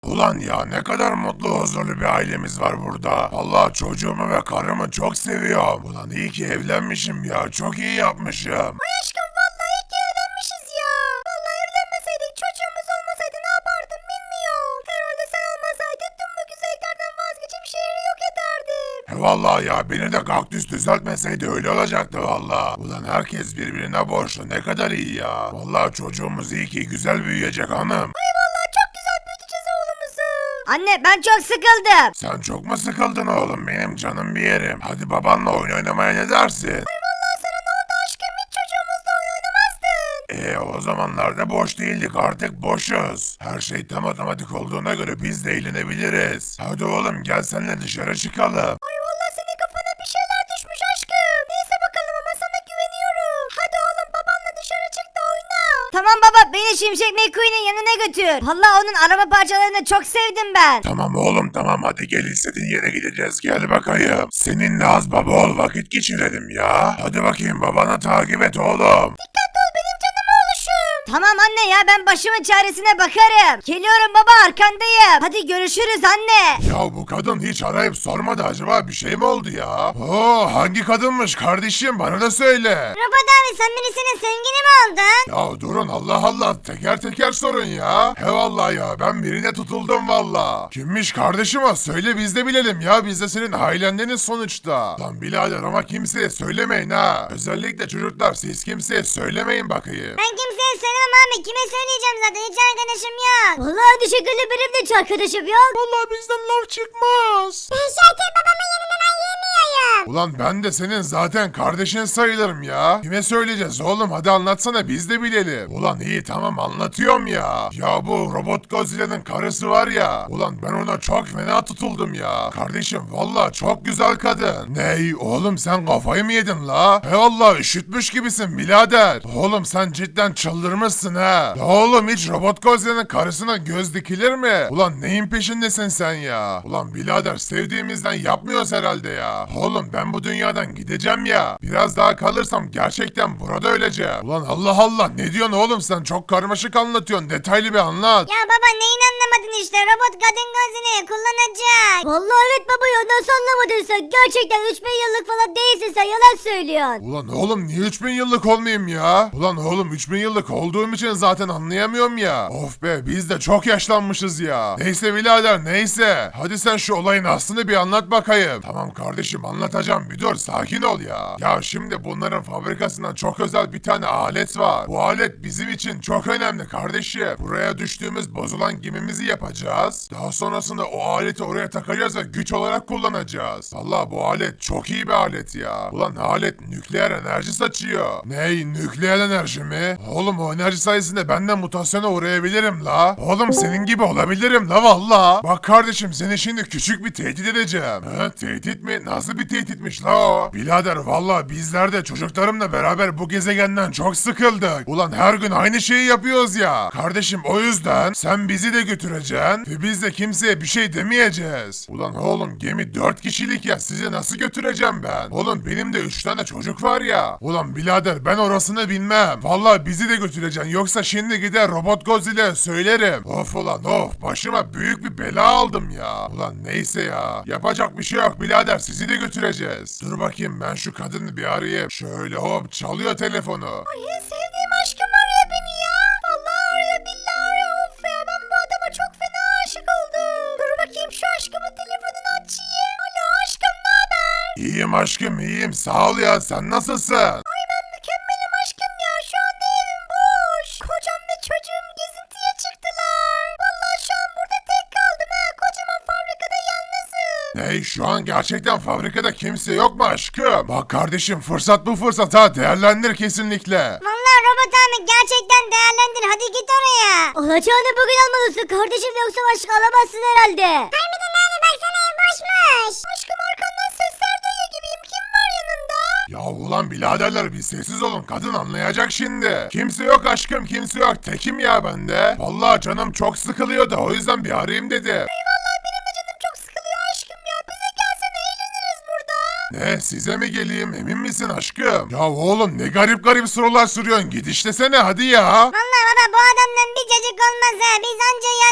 Ulan ya ne kadar mutlu huzurlu bir ailemiz var burada. Allah çocuğumu ve karımı çok seviyorum. Ulan iyi ki evlenmişim ya. Çok iyi yapmışım. Ay aşkım vallahi iyi ki evlenmişiz ya. Vallahi evlenmeseydik çocuğumuz olmasaydı ne yapardım bilmiyorum. Herhalde sen olmasaydın tüm bu güzelliklerden vazgeçip şehri yok ederdim. Vallahi ya beni de kaktüs düzeltmeseydi öyle olacaktı valla. Ulan herkes birbirine borçlu ne kadar iyi ya. Vallahi çocuğumuz iyi ki güzel büyüyecek hanım. Ay vallahi çok güzel büyüteceğiz oğlumuzu. Anne ben çok sıkıldım. Sen çok mu sıkıldın oğlum benim canım bir yerim. Hadi babanla oyun oynamaya ne dersin? Ay vallahi sana ne oldu aşkım hiç çocuğumuzla oyun oynamazdın. O zamanlarda boş değildik artık boşuz. Her şey tam otomatik olduğuna göre biz de eğlenebiliriz. Hadi oğlum gel seninle dışarı çıkalım. Ay vallahi senin kafana bir şeyler düşmüş aşkım. Neyse bakalım ama sana güveniyorum. Hadi oğlum babanla dışarı çık da oyna. Tamam baba beni Şimşek McQueen'in yanına götür. Vallahi onun araba parçalarını çok sevdim ben. Tamam oğlum tamam hadi gel istediğin yere gideceğiz gel bakayım. Seninle az baba ol vakit geçirelim ya. Hadi bakayım babana takip et oğlum. Dikkatli ol benim canım oğluşum. Tamam anne ya ben başımın çaresine bakarım. Geliyorum baba arkandayım. Hadi görüşürüz anne. Ya bu kadın hiç arayıp sormadı acaba bir şey mi oldu ya? Oo hangi kadınmış kardeşim bana da söyle. Robot abi sen birisinin sevgili mi oldun? Ya durun Allah Allah teker teker sorun ya. He vallahi ya ben birine tutuldum valla. Kimmiş kardeşim o söyle biz de bilelim ya biz de senin ailendeniz sonuçta. Lan birader ama kimseye söylemeyin ha. Özellikle çocuklar siz kimseye söylemeyin bakayım. Ben kimseye söylemem abi. Kime söyleyeceğim zaten hiç arkadaşım yok. Vallahi teşekkürlü benim de hiç arkadaşım yok. Vallahi bizden laf çıkmaz. Ben zaten babamın yanından yemiyorum. Ulan ben de senin zaten kardeşin sayılırım ya. Kime söyleyeceğiz oğlum hadi anlatsana biz de bilelim. Ulan iyi tamam anlatıyorum ya. Ya bu Robot Godzilla'nın karısı var ya. Ulan ben ona çok fena tutuldum ya. Kardeşim valla çok güzel kadın. Ney oğlum sen kafayı mı yedin la? He valla üşütmüş gibisin birader. Oğlum sen cidden çıldırmışsın ha. Ya oğlum hiç Robot Godzilla'nın karısına göz dikilir mi? Ulan neyin peşindesin sen ya? Ulan birader sevdiğimizden yapmıyoruz herhalde ya. Oğlum ben bu dünyadan gideceğim ya. Biraz daha kalırsam gerçekten burada öleceğim. Ulan Allah Allah ne diyorsun oğlum sen çok karmaşık anlatıyorsun. Detaylı bir anlat. Ya baba neyini anlamadın işte robot kadın gözünü kullanacak. Vallahi evet baba ya nasıl anlamadın sen? Gerçekten 3000 yıllık falan değilsin sen yalan söylüyorsun. Ulan oğlum niye 3000 yıllık olmayayım ya? Ulan oğlum 3000 yıllık olduğum için zaten anlayamıyorum ya. Of be biz de çok yaşlanmışız ya. Neyse birader neyse. Hadi sen şu olayın aslını bir anlat bakayım. Tamam kardeşim anlatacağım bir dur sakin ol ya. Ya şimdi bunların fabrikasından çok özel bir tane alet var. Bu alet bizim için çok önemli kardeşim. Buraya düştüğümüz bozulan gemimizi yapacağız. Daha sonrasında o aleti oraya takacağız ve güç olarak kullanacağız. Valla bu alet çok iyi bir alet ya. Ulan alet nükleer enerji saçıyor. Ney nükleer enerji mi? Oğlum o enerji sayesinde ben de mutasyona uğrayabilirim la. Oğlum senin gibi olabilirim la valla. Bak kardeşim seni şimdi küçük bir tehdit edeceğim. Ha, tehdit mi? Nasıl bir tehditmiş la o? Birader valla bizler de çocuklarımla beraber bu gezegenden çok sıkıldık. Ulan her gün aynı şeyi yapıyoruz ya. Kardeşim o yüzden sen bizi de götüreceksin ve biz de kimseye bir şey demeyeceğiz. Ulan oğlum gemi 4 kişilik ya sizi nasıl götüreceğim ben? Oğlum benim de 3 tane çocuk var ya. Ulan birader ben orasını bilmem. Valla bizi de götüreceksin yoksa şimdi gider Robot Godzilla'ya söylerim. Of ulan of başıma büyük bir bela aldım ya. Ulan neyse ya. Yapacak bir şey yok birader sizi de götüreceğiz. Dur bakayım ben şu kadını bir arayayım. Şöyle hop çalıyor telefonu. Ay en sevdiğim aşkım arıyor beni ya. Vallahi arıyor billahi arıyor. Of ya ben bu adama çok fena aşık oldum. Dur bakayım şu aşkımın telefonunu açayım. Alo aşkım ne haber? İyiyim aşkım iyiyim sağ ol ya sen nasılsın? Ay ben mükemmelim aşkım ya. Şu anda evim boş. Kocam ve çocuğum gezintiye çıktılar. Vallahi şu an burada tek kaldım ha. Kocaman fabrikada yalnızım. Ney şu an gerçekten fabrikada kimse yok mu aşkım? Bak kardeşim fırsat bu fırsat ha değerlendir kesinlikle. Vallahi robot abi gerçekten değerlendir. Hadi git oraya. Alacağını bugün almalısın kardeşim yoksa başka alamazsın herhalde. Harbiden abi baksana ev boşmuş. Aşkım arkandan sesler duyuyor gibiyim. Kim var yanında? Ya ulan biraderler bir sessiz olun kadın anlayacak şimdi. Kimse yok aşkım kimse yok tekim ya bende. Vallahi canım çok sıkılıyordu o yüzden bir arayayım dedim. Vallahi benim de canım çok sıkılıyor aşkım ya. Bize gelsene eğleniriz burada. Ne size mi geleyim emin misin aşkım? Ya oğlum ne garip garip sorular soruyorsun git işlesene hadi ya. Vallahi baba bu adamdan bir cacık olmaz ha. Biz anca yani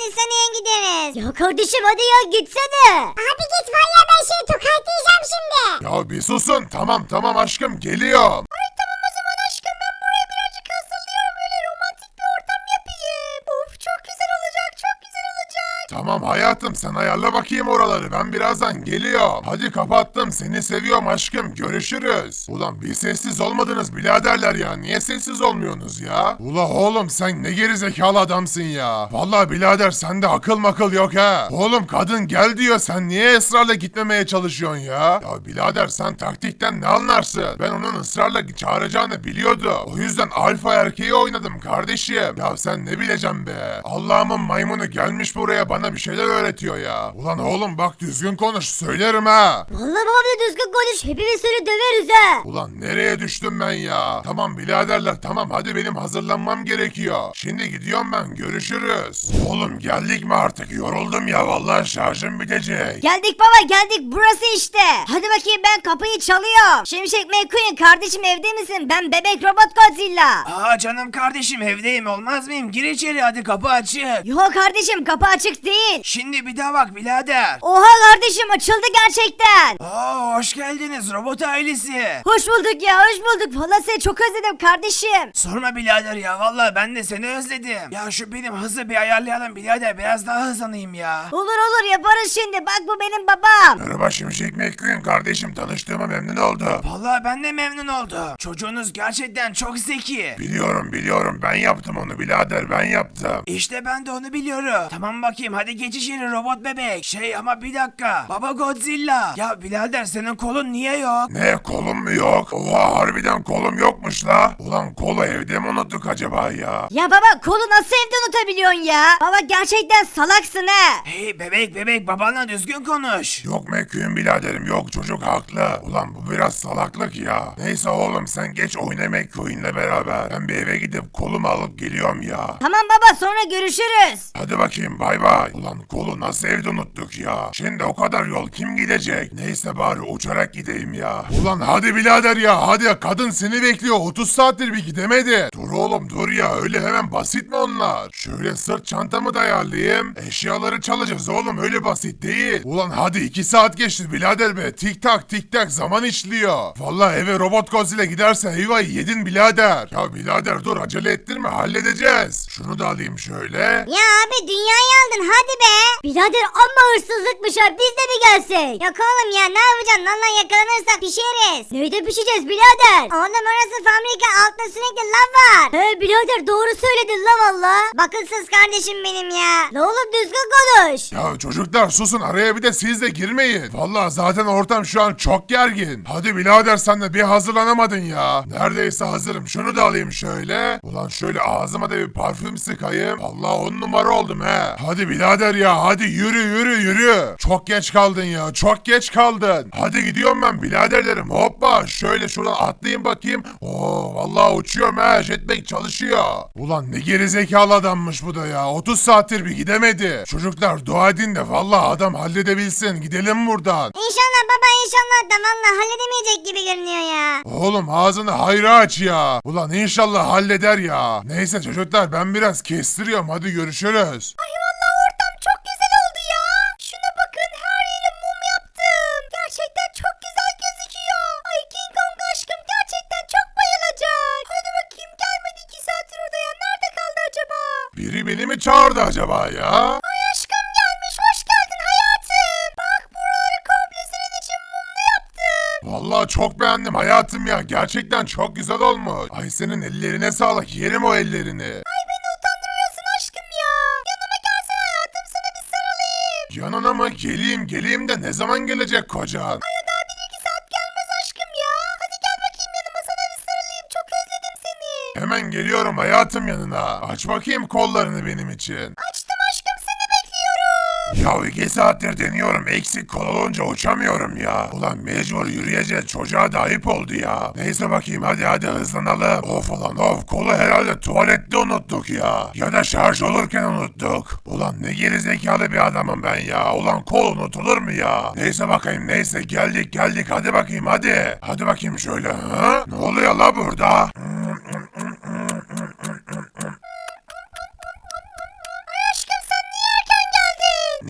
hastaneye gideriz. Ya kardeşim hadi ya gitsene. Abi git vallahi ben seni tokatlayacağım şimdi. Ya bir susun. Tamam aşkım geliyorum. Ay tamam o zaman aşkım ben buraya birazcık hazırlıyorum öyle romantik bir ortam yapayım. Of çok güzel olacak çok güzel olacak. Tamam hayatım sen ayarla bakayım oraları. Ben birazdan geliyorum. Hadi kapattım. Seni seviyorum aşkım. Görüşürüz. Ulan bir sessiz olmadınız biraderler ya. Niye sessiz olmuyorsunuz ya? Ula oğlum sen ne gerizekalı adamsın ya. Vallahi birader sende akıl makıl yok ha. Oğlum kadın gel diyor. Sen niye ısrarla gitmemeye çalışıyorsun ya? Ya birader sen taktikten ne anlarsın? Ben onun ısrarla çağıracağını biliyordu. O yüzden alfa erkeği oynadım kardeşim. Ya sen ne bileceksin be? Allah'ımın maymunu gelmiş buraya bana bir şeyler öğretiyor ya. Ulan oğlum bak düzgün konuş söylerim ha. Vallahi baba düzgün konuş hepimiz seni döveriz ha. Ulan nereye düştüm ben ya? Tamam biraderler tamam hadi benim hazırlanmam gerekiyor. Şimdi gidiyorum ben görüşürüz. Oğlum geldik mi artık yoruldum ya vallahi şarjım bitecek. Geldik baba geldik burası işte. Hadi bakayım ben kapıyı çalıyorum. Şimşek McQueen kardeşim evde misin? Ben bebek robot Godzilla. Aa canım kardeşim evdeyim olmaz mıyım? Gir içeri hadi kapı açık. Yok kardeşim kapı açık değil. Şimdi bir daha bak birader. Oha kardeşim açıldı gerçekten. Aa hoş geldiniz robot ailesi. Hoş bulduk ya hoş bulduk. Valla seni çok özledim kardeşim. Sorma birader ya vallahi ben de seni özledim. Ya şu benim hızı bir ayarlayalım birader biraz daha hızlanayım ya. Olur olur yaparız şimdi. Bak bu benim babam. Merhaba Şimşek McQueen kardeşim tanıştığıma memnun oldum. Vallahi ben de memnun oldum. Çocuğunuz gerçekten çok zeki. Biliyorum ben yaptım onu birader ben yaptım. İşte ben de onu biliyorum. Tamam bakayım hadi geç içeri robot bebek. Şey ama bir dakika. Baba Godzilla. Ya birader senin kolun niye yok? Ne kolum mu yok? Oha harbiden kolum yokmuş la. Ulan kolu evde mi unuttuk acaba ya? Ya baba kolu nasıl evde unutabiliyorsun ya? Baba gerçekten salaksın ha. Hey bebek babanla düzgün konuş. Yok McQueen biraderim yok çocuk haklı. Ulan bu biraz salaklık ya. Neyse oğlum sen geç oyna McQueen'le beraber. Ben bir eve gidip kolumu alıp geliyorum ya. Tamam baba sonra görüşürüz. Hadi bakayım bay bay. Ulan kolu nasıl evde unuttuk ya. Şimdi o kadar yol kim gidecek? Neyse bari uçarak gideyim ya. Ulan hadi birader ya hadi kadın seni bekliyor 30 saattir bir gidemedi. Dur oğlum dur ya öyle hemen basit mi onlar? Şöyle sırt çantamı da ayarlayayım. Eşyaları çalacağız oğlum öyle basit değil. Ulan hadi 2 saat geçti birader be. Tik tak zaman işliyor. Vallahi eve robot Godzilla giderse eyvah yedin birader. Ya birader dur acele ettirme halledeceğiz. Şunu da alayım şöyle. Ya abi dünyayı aldın hadi be. Birader amma hırsızlıkmış ha biz de mi gelsek? Yok oğlum ya ne yapacaksın valla yakalanırsak pişeriz. Neyde pişeceğiz birader? Oğlum orası fabrika altta sürekli lav var. He birader doğru söyledin la valla. Bakılsız kardeşim benim ya. La oğlum düzgün konuş. Ya çocuklar susun araya bir de siz de girmeyin. Vallahi zaten ortam şu an çok gergin. Hadi birader sen de bir hazırlanamadın ya. Neredeyse hazırım şunu da alayım şöyle. Ulan şöyle ağzıma da bir parfüm sıkayım. Allah 10 numara oldum he. Hadi birader ya hadi yürü. Çok geç kaldın ya çok geç kaldın. Hadi gidiyorum ben biraderlerim hoppa. Şöyle şuradan atlayayım bakayım. Oo vallahi uçuyorum he jetpack çalışıyor. Ulan ne gerizekalı adammış bu da ya. 30 saattir bir gidemedi. Çocuklar dua edin de vallahi adam halledebilsin. Gidelim buradan. İnşallah baba inşallah da valla halledemeyecek gibi görünüyor ya. Oğlum ağzını hayra aç ya. Ulan inşallah halleder ya. Neyse çocuklar ben biraz kestiriyorum. Hadi görüşürüz. Ay valla ortam çok güzel oldu ya. Şuna bakın her yere mum yaptım. Gerçekten çok güzel gözüküyor. Ay King Kong aşkım gerçekten çok bayılacak. Hadi bakayım gelmedi 2 saattir orada ya. Nerede kaldı acaba? Biri beni mi çağırdı acaba ya? Ay aşkım gelmiş hoş geldin hayatım. Bak buraları komple senin için mumlu yaptım. Vallahi çok beğendim hayatım ya. Gerçekten çok güzel olmuş. Ay senin ellerine sağlık. Yerim o ellerini. Ay beni utandırıyorsun aşkım ya. Yanıma gelsene hayatım sana bir sarılayım. Yanına mı? Geleyim de ne zaman gelecek kocan? Ay o daha 1-2 saat gelmez aşkım ya. Hadi gel bakayım yanıma sana bir sarılayım. Çok özledim seni. Hemen geliyorum hayatım yanına. Aç bakayım kollarını benim için. Açtım aşkım seni bekliyorum. Ya 2 saattir deniyorum eksik kol olunca uçamıyorum ya. Ulan mecbur yürüyeceğiz çocuğa da ayıp oldu ya. Neyse bakayım hadi hızlanalım. Of ulan of kolu herhalde tuvalette unuttuk ya. Ya da şarj olurken unuttuk. Ulan ne gerizekalı bir adamım ben ya. Ulan kol unutulur mu ya? Neyse bakayım neyse geldik hadi bakayım hadi. Hadi bakayım şöyle ha? Ne oluyor la burada? Ay aşkım sen niye her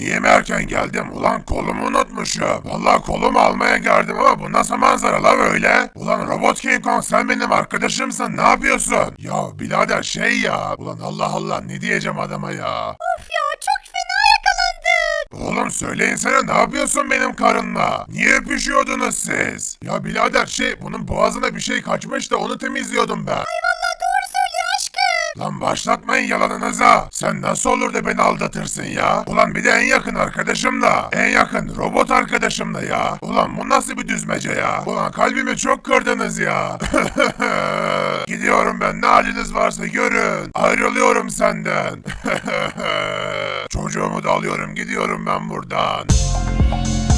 niye mi erken geldim? Ulan kolumu unutmuşum. Vallahi kolumu almaya geldim ama bu nasıl manzara la böyle? Ulan Robot King Kong sen benim arkadaşımsın, ne yapıyorsun? Ya birader şey ya. Ulan Allah Allah ne diyeceğim adama ya. Of ya çok fena yakalandık. Oğlum söyleyin sana, ne yapıyorsun benim karınla? Niye öpüşüyordunuz siz? Ya birader şey, bunun boğazına bir şey kaçmış da onu temizliyordum ben. Vallahi doğru söylüyor aşkım. Lan başlatmayın yalanınıza. Sen nasıl olur da beni aldatırsın ya? Ulan bir de en yakın arkadaşım da. En yakın robot arkadaşım da ya. Ulan bu nasıl bir düzmece ya? Ulan kalbimi çok kırdınız ya. Gidiyorum ben, ne haliniz varsa görün. Ayrılıyorum senden. Çocuğumu da alıyorum, gidiyorum ben buradan.